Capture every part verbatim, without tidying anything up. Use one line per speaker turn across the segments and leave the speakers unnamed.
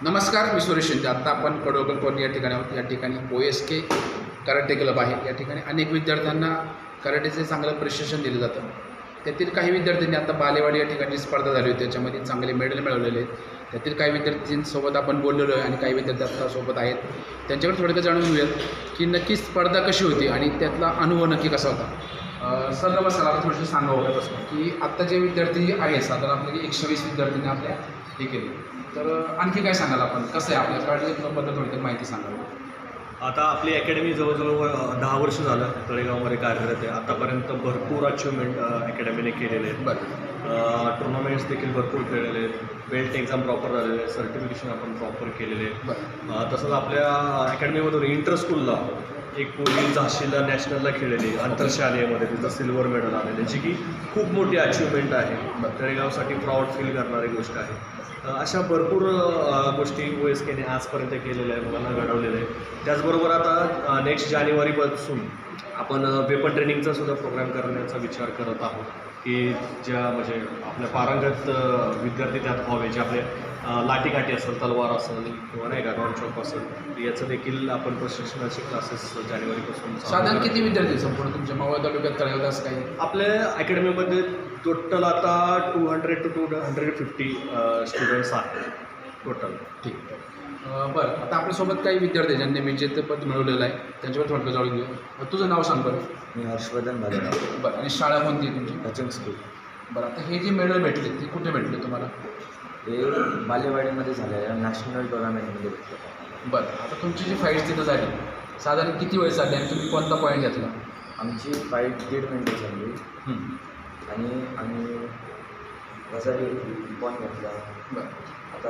नमस्कार, मी सुरेश शिंदे. आत्ता आपण कडोगल कॉलनी या ठिकाणी आहोत. या ठिकाणी O S K karate club आहे. या ठिकाणी अनेक विद्यार्थ्यांना कराटेचे चांगलं प्रशिक्षण दिलं जातं. त्यातील काही विद्यार्थ्यांनी आता बालेवाडी या ठिकाणी स्पर्धा झाली होती, त्याच्यामध्ये चांगले मेडल मिळवलेले आहेत. त्यातील काही विद्यार्थ्यांसोबत आपण बोललेलो आहे आणि काही विद्यार्थी आत्ता सोबत आहेत. त्यांच्याकडे थोडक्यात जाणून घेऊयात की नक्की स्पर्धा कशी होती आणि त्यातला अनुभव नक्की कसा होता. सर नमस्कार. आपण थोडंसं सांगावं होतं की आत्ता जे विद्यार्थी आहेत, साधारण आपले एकशे वीस विद्यार्थ्यांनी आपल्या हे केले, तर आणखी काय सांगाल आपण, कसं आहे आपल्या कराटे क्लबबद्दल थोडक्यात माहिती सांगाल.
आता आपली अकॅडमी जवळजवळ दहा वर्ष झालं तळेगावमध्ये कार्यरत आहे. आतापर्यंत भरपूर अचिव्हमेंट अकॅडमीने केलेले आहेत.
बरं.
टुर्नामेंट्स देखील भरपूर खेळलेले आहेत. बेल्ट एक्झाम प्रॉपर झालेले आहे. सर्टिफिकेशन आपण प्रॉपर केलेले आहे.
बरं.
तसंच आपल्या अकॅडमीमधून इंटर स्कूलला एक मुली झाशीला नॅशनलला खेळलेली आंतरशालेयमध्ये, तिचं सिल्वर मेडल आलेलं आहे, जी की खूप मोठी अचिव्हमेंट आहे. तळेगावसाठी प्राऊड फील करणारी गोष्ट आहे. अशा भरपूर गोष्टी ओ एस केने आजपर्यंत केलेल्या आहे, मुलांना घडवलेलं आहे. त्याचबरोबर आता नेक्स्ट जानेवारीपासून आपण वेपन ट्रेनिंगचा सुद्धा प्रोग्राम करण्याचा विचार करत आहोत की ज्या म्हणजे आपल्या पारंगत विद्यार्थी त्यात व्हावे, जे आपले लाठीकाठी असेल, तलवार असेल किंवा नाही का रॉनचॉप असेल, याचं देखील आपण प्रशिक्षणाचे क्लासेस जानेवारीपासून.
साधारण किती विद्यार्थी संपूर्ण तुमच्या मावळ तालुक्यात तळेगावात असं काही?
आपल्या अकॅडमीमध्ये टोटल आता two hundred two two hundred fifty students आहेत टोटल.
ठीक आहे. बरं, आता आपल्यासोबत काही विद्यार्थी आहेत ज्यांनी विजेतेपद मिळवलेलं आहे, त्यांच्यावर थोडक्यात जाणून घेऊ. तुझं नाव सांग बरं.
मी हर्षवर्धन भालेराव.
बरं. आणि शाळा कोणती आहे तुमची?
Coaching school.
बरं. आता हे जे मेडल भेटले ते कुठे भेटले तुम्हाला?
हे बालेवाडीमध्ये झालं आहे, नॅशनल टुर्नामेंटमध्ये भेटलं.
बरं. आता तुमची जी फाईट तिथं झाली, साधारण किती वेळ चालली आणि तुम्ही कोणता पॉईंट घेतला?
आमची फाईट दीड मिनटं झाली आणि आम्ही कसा पॉईंट घेतला.
बरं.
आता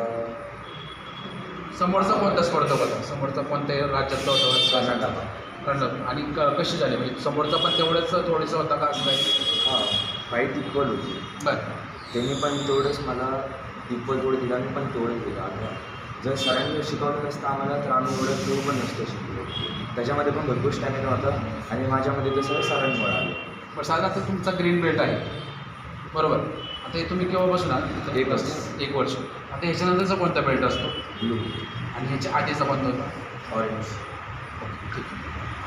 समोरचा कोणता स्पर्धक होता? समोरचा कोणत्या राज्यातला होता?
कर्नाटक.
कर्नाटक. आणि क कशी झाली, म्हणजे समोरचा पण तेवढंच थोडंसं होता का असं काही?
हां, फाईट इक्वल होती.
बरं.
त्यांनी पण तेवढंच मला इक्वल तेवढं दिलं, आम्ही पण तेवढंच दिलं. आम्ही जर सरांनी शिकवलं नसतं आम्हाला तर आम्ही एवढं तेवढं पण नसतं शिकलो. त्याच्यामध्ये पण भरपूर स्टॅमिना होता आणि माझ्यामध्ये तसं सरांमुळे आलं.
पण साधारण तुमचा ग्रीन बेल्ट आहे, बरोबर. आता हे तुम्ही केव्हा बसणार?
एक वर्ष.
एक वर्ष. आता ह्याच्यानंतरचा कोणता बेल्ट असतो?
ब्लू.
आणि ह्याच्या आधीचा कोणता होता?
ऑरेंज.
ठीक आहे.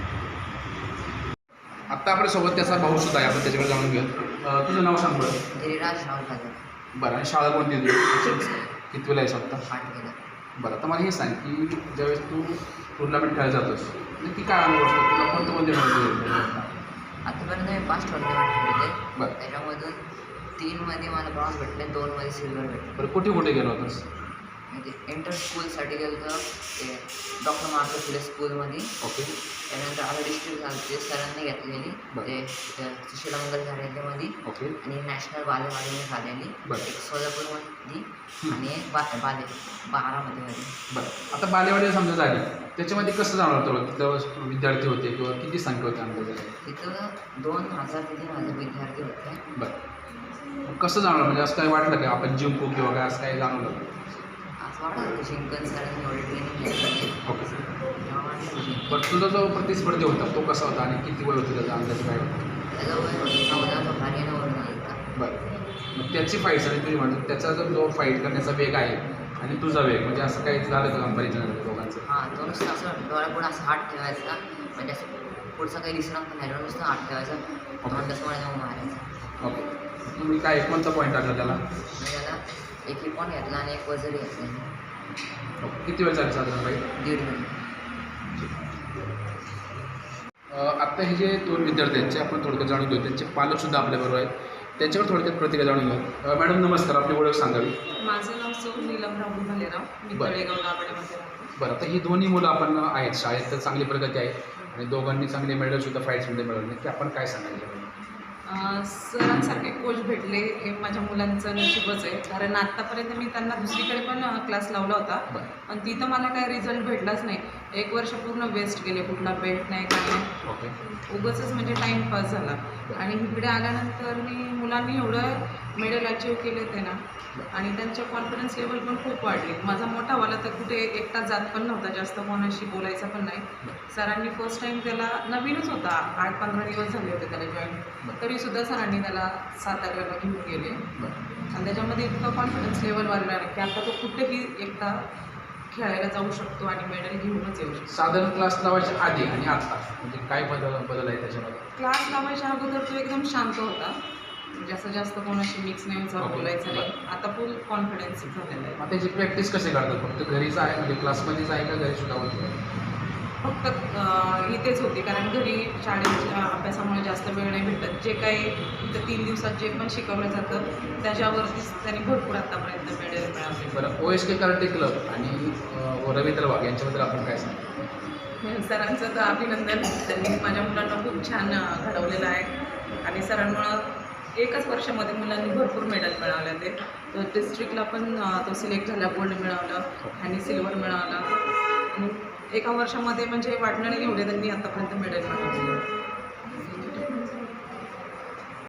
आत्ता आपल्यासोबत त्याचा भाऊ सुद्धा आहे, आपण त्याच्याकडे जाणून घेऊ. तुझं नाव सांग बरं.
गिरीराज राहुल पाटील.
बरं. आणि शाळा कोणती आहे तुझी? किती वेळा आहे स्वतः?
आठ गेला.
बरं. आता मला हे सांग की ज्यावेळेस तू टुर्नामेंट खेळायला जातोस, नक्की काय अनुभव असतो तुला? कोणते कोणते मेडल?
आतापर्यंत मी पाच टुर्नामेंट खेळले.
बरं.
त्याच्यामधून तीनमध्ये मला ब्रॉन्झ भेटले, दोनमध्ये सिल्वर भेटले.
बरं. कुठे कुठे गेलो होतास?
म्हणजे इंटर स्कूलसाठी गेलो तर ते डॉक्टर मार्को फुले स्कूलमध्ये.
ओके.
त्यानंतर आता डिस्ट्रिक्ट झालं ते सरांनी घेतलेली,
बरं.
ते सुशीला मंगल कार्यालयामध्ये.
ओके.
आणि नॅशनल बालेवाडीने झालेली,
बरं.
एक सोलापूरमध्ये आणि एक बा बाले बारामतीमध्ये.
बरं. आता बालेवाडी समजा झाली, त्याच्यामध्ये कसं जाणार तुला? तिथं विद्यार्थी होते किंवा किती संख्या होती अंदाजे?
तिथं दोन हजार ते तीन हजार विद्यार्थी होते.
बरं. कसं जाणार, म्हणजे असं काही वाटलं का आपण जिंकू किंवा काय असं काही जाणवलं?
असं वाटतं की शिंकन सरांनी एवढे ट्रेनिंग घेतली.
ओके.
तेव्हा वाटलं की
बट तुझा जो प्रतिस्पर्धी होता तो कसा होता आणि किती वय होतं त्याचा अंदाज काय?
त्याचा वय चौदा तो हरियाणावरून आला.
बरं. मग त्याची फाईट आणि तुझी म्हणतो त्याचा जर जो फाईट करण्याचा वेग आहे आणि तुझा वेग, म्हणजे असं काही झालं का कंपॅरिझन दोघांचं?
हां, तो नुसतं असं डोळ्यापुढं असं हात ठेवायचा, म्हणजे असं पुढचं काही दिसणार पण नाही, नुसतं हात ठेवायचा, तोंड समोर जाऊन मारायचा.
ओके. तुम्ही काय कोणता पॉईंट टाकला त्याला?
मी त्याला एक हिपॉन घेतला आणि एक वजरी घेतली.
ओके. किती वेळ झाली साधारण फाईट?
दीड मिनिट.
आत्ता हे जे दोन विद्यार्थी आहेत, आपण थोडक्यात जाणून घेऊ. त्यांचे पालकसुद्धा आपल्याबरोबर आहेत, त्यांच्यावर थोडक्यात प्रतिक्रिया जाणून घेऊ. मॅडम नमस्कार, आपली ओळख सांगावी.
माझं नाव सौ नीलम राहुल भालेराव. मी
बरं.
तळेगाव दाभाडेमध्ये राहतो.
बरं. आता ही दोन्ही मुलं आपण आहेत शाळेत, तर चांगली प्रगती आहे आणि दोघांनी चांगले मेडलसुद्धा फाईट्समध्ये मिळवले, की आपण काय सांगायचं?
अं, सरांसारखे कोच भेटले हे माझ्या मुलांचं नशीबच आहे, कारण आत्तापर्यंत मी त्यांना दुसरीकडे पण क्लास लावला होता,
बरं.
पण तिथं मला काही रिझल्ट भेटलाच नाही. एक वर्ष पूर्ण वेस्ट गेले, कुठला बेल्ट नाही काय नाही,
ओके.
उगाचच म्हणजे टाईमपास झाला. आणि इकडे आल्यानंतर मी मुलांनी एवढं मेडल अचीव केले ते ना, आणि त्यांचं कॉन्फिडन्स लेवल पण खूप वाढली. माझा मोठावाला तर कुठे एकटा जात पण नव्हता, जास्त कोणाशी बोलायचा पण नाही. सरांनी फर्स्ट टाईम त्याला, नवीनच होता, आठ पंधरा दिवस झाले होते त्याला जॉईन, तरीसुद्धा सरांनी त्याला साताऱ्याला घेऊन गेले. आणि त्याच्यामध्ये इतकं कॉन्फिडन्स लेवल वाढला की आता तो कुठेही एकटा खेळायला जाऊ शकतो आणि मेडल घेऊनच येऊ शकतो.
साधारण क्लास लावायच्या आधी आणि आता म्हणजे काय बदल बदल आहे त्याच्यामध्ये?
क्लास लावायच्या अगोदर तो एकदम शांत होता, जास्त जास्त कोणाशी मिक्स नाही व्हायचा,
Okay.
बोलायचं नाही. आता फुल कॉन्फिडन्स झालेला आहे.
मग त्याची प्रॅक्टिस कसे करतात? फक्त घरीच आहे म्हणजे क्लासमध्येच आहे का घरी सुद्धा होतं?
फक्त अं, इथेच होती, कारण घरी शाळेच्या अभ्यासामुळे जास्त वेळ नाही भेटत. जे काही इथं तीन दिवसात जे पण शिकवलं जातं त्याच्यावरतीच त्यांनी भरपूर आतापर्यंत मेडल मिळवले.
बरं, O S K karate club आणि अं, रवींद्र वाघ यांच्याबद्दल आपण काय सांगतो?
सरांचं तर अभिनंदन, त्यांनी माझ्या मुलांना खूप छान अं, घडवलेलं आहे आणि सरांमुळं एकच वर्षामध्ये मुलांनी भरपूर मेडल मिळवले. ते तो डिस्ट्रिक्टला पण अं, तो सिलेक्ट झाला, गोल्ड मिळवलं आणि सिल्वर मिळवलं. आणि एका वर्षामध्ये म्हणजे वाटलं नाही एवढे त्यांनी आतापर्यंत मेडल मिळवले.